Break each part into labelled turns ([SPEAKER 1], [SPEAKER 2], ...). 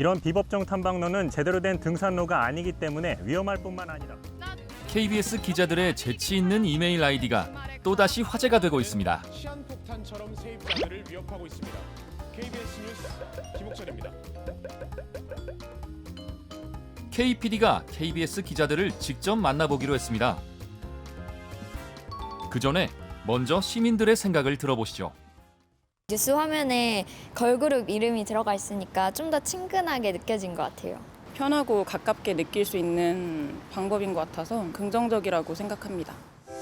[SPEAKER 1] 이런 비법정 탐방로는 제대로 된 등산로가 아니기 때문에 위험할 뿐만 아니라
[SPEAKER 2] KBS 기자들의 재치 있는 이메일 아이디가 또다시 화제가 되고 있습니다.
[SPEAKER 3] 시한폭탄처럼 세입자들을 위협하고 있습니다. KBS 뉴스 김옥철입니다.
[SPEAKER 2] KPD가 KBS 기자들을 직접 만나보기로 했습니다. 그 전에 먼저 시민들의 생각을 들어보시죠.
[SPEAKER 4] 뉴스 화면에 걸그룹 이름이 들어가 있으니까 좀 더 친근하게 느껴진 것 같아요.
[SPEAKER 5] 편하고 가깝게 느낄 수 있는 방법인 것 같아서 긍정적이라고 생각합니다.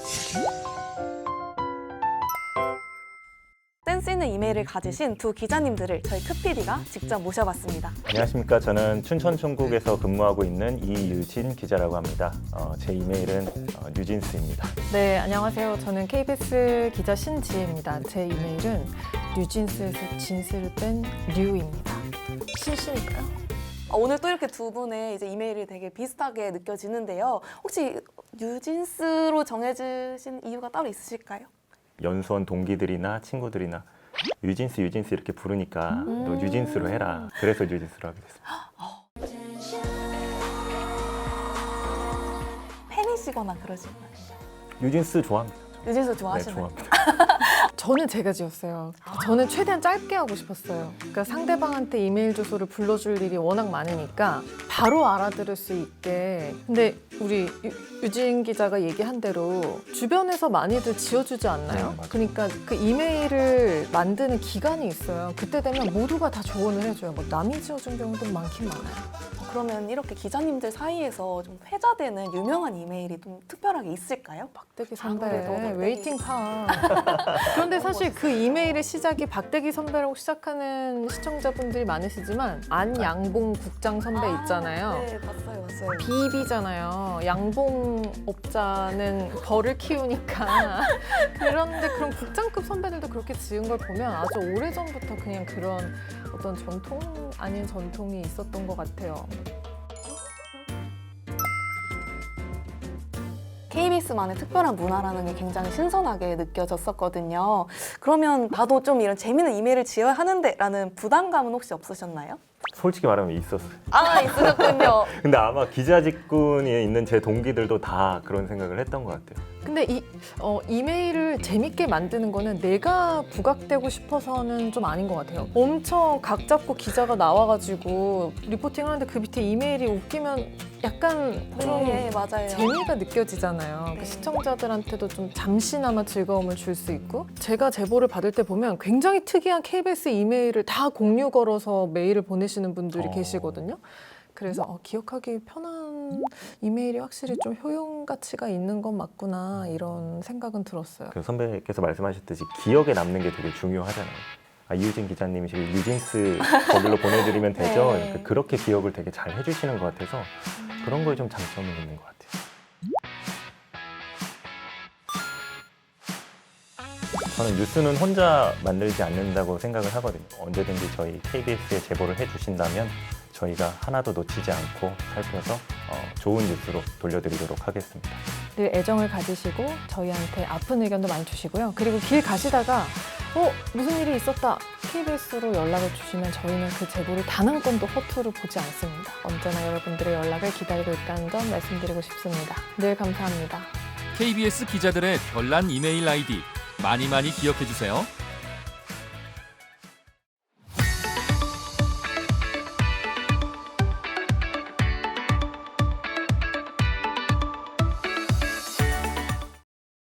[SPEAKER 6] 센스 있는 이메일을 가지신 두 기자님들을 저희 크PD가 직접 모셔봤습니다.
[SPEAKER 1] 안녕하십니까. 저는 춘천총국에서 근무하고 있는 이유진 기자라고 합니다. 제 이메일은 뉴진스입니다.
[SPEAKER 7] 네, 안녕하세요. 저는 KBS 기자 신지혜입니다. 제 이메일은 뉴진스에서 진스를 뺀 류입니다. 신씨니까요.
[SPEAKER 6] 오늘 또 이렇게 두 분의 이제 이메일이 되게 비슷하게 느껴지는데요. 혹시 뉴진스로 정해주신 이유가 따로 있으실까요?
[SPEAKER 1] 연수원 동기들이나 친구들이나 뉴진스 이렇게 부르니까 너 뉴진스로 해라. 그래서 뉴진스로 하게 됐습니다.
[SPEAKER 6] 팬이시거나 그러시나요?
[SPEAKER 1] 뉴진스 좋아합니다.
[SPEAKER 6] 뉴진스
[SPEAKER 1] 네,
[SPEAKER 6] 좋아하시나요?
[SPEAKER 1] 좋아합니다.
[SPEAKER 7] 저는 제가 지었어요. 저는 최대한 짧게 하고 싶었어요. 그러니까 상대방한테 이메일 주소를 불러줄 일이 워낙 많으니까 바로 알아들을 수 있게. 근데 우리 유진 기자가 얘기한 대로 주변에서 많이들 지어주지 않나요?
[SPEAKER 1] 맞아요.
[SPEAKER 7] 그러니까 그 이메일을 만드는 기간이 있어요. 그때 되면 모두가 다 조언을 해줘요. 뭐 남이 지어준 경우도 많긴 많아요.
[SPEAKER 6] 그러면 이렇게 기자님들 사이에서 좀 회자되는 유명한 이메일이 좀 특별하게 있을까요?
[SPEAKER 7] 박대기 선배,
[SPEAKER 6] 그래도 박대기.
[SPEAKER 7] 웨이팅 파. 그런데 사실 그 이메일의 시작이 박대기 선배라고 시작하는 시청자분들이 많으시지만 안양봉 국장 선배 있잖아요.
[SPEAKER 6] 네, 봤어요.
[SPEAKER 7] 비비잖아요. 양봉업자는 벌을 키우니까. 그런데 그런 국장급 선배들도 그렇게 지은 걸 보면 아주 오래전부터 그냥 그런 어떤 전통 아닌 전통이 있었던 것 같아요.
[SPEAKER 6] KBS만의 특별한 문화라는 게 굉장히 신선하게 느껴졌었거든요. 그러면 나도 좀 이런 재미있는 이메일을 지어야 하는데 라는 부담감은 혹시 없으셨나요?
[SPEAKER 1] 솔직히 말하면 있었어요.
[SPEAKER 6] 아, 있으셨군요.
[SPEAKER 1] 근데 아마 기자 직군에 있는 제 동기들도 다 그런 생각을 했던 것 같아요.
[SPEAKER 7] 근데 이메일을 재밌게 만드는 거는 내가 부각되고 싶어서는 좀 아닌 것 같아요. 엄청 각 잡고 기자가 나와가지고 리포팅을 하는데 그 밑에 이메일이 웃기면 약간 좀
[SPEAKER 6] 네, 맞아요.
[SPEAKER 7] 재미가 느껴지잖아요. 그 시청자들한테도 좀 잠시나마 즐거움을 줄 수 있고. 제가 제보를 받을 때 보면 굉장히 특이한 KBS 이메일을 다 공유 걸어서 메일을 보내시는 분들이 계시거든요. 그래서 기억하기 편한 이메일이 확실히 좀 효용 가치가 있는 건 맞구나 이런 생각은 들었어요.
[SPEAKER 1] 그 선배께서 말씀하셨듯이 기억에 남는 게 되게 중요하잖아요. 이유진 기자님이 지금 뉴진스 거길로 보내드리면 되죠.
[SPEAKER 6] 네.
[SPEAKER 1] 그렇게 기억을 되게 잘 해주시는 것 같아서 그런 거에 좀 장점이 있는 것 같아요. 저는 뉴스는 혼자 만들지 않는다고 생각을 하거든요. 언제든지 저희 KBS에 제보를 해주신다면 저희가 하나도 놓치지 않고 살펴서 좋은 뉴스로 돌려드리도록 하겠습니다.
[SPEAKER 7] 늘 애정을 가지시고 저희한테 아픈 의견도 많이 주시고요. 그리고 길 가시다가 무슨 일이 있었다 KBS로 연락을 주시면 저희는 그 제보를 단 한 건도 허투루 보지 않습니다. 언제나 여러분들의 연락을 기다리고 있다는 점 말씀드리고 싶습니다. 늘 감사합니다.
[SPEAKER 2] KBS 기자들의 별난 이메일 아이디 많이 기억해 주세요.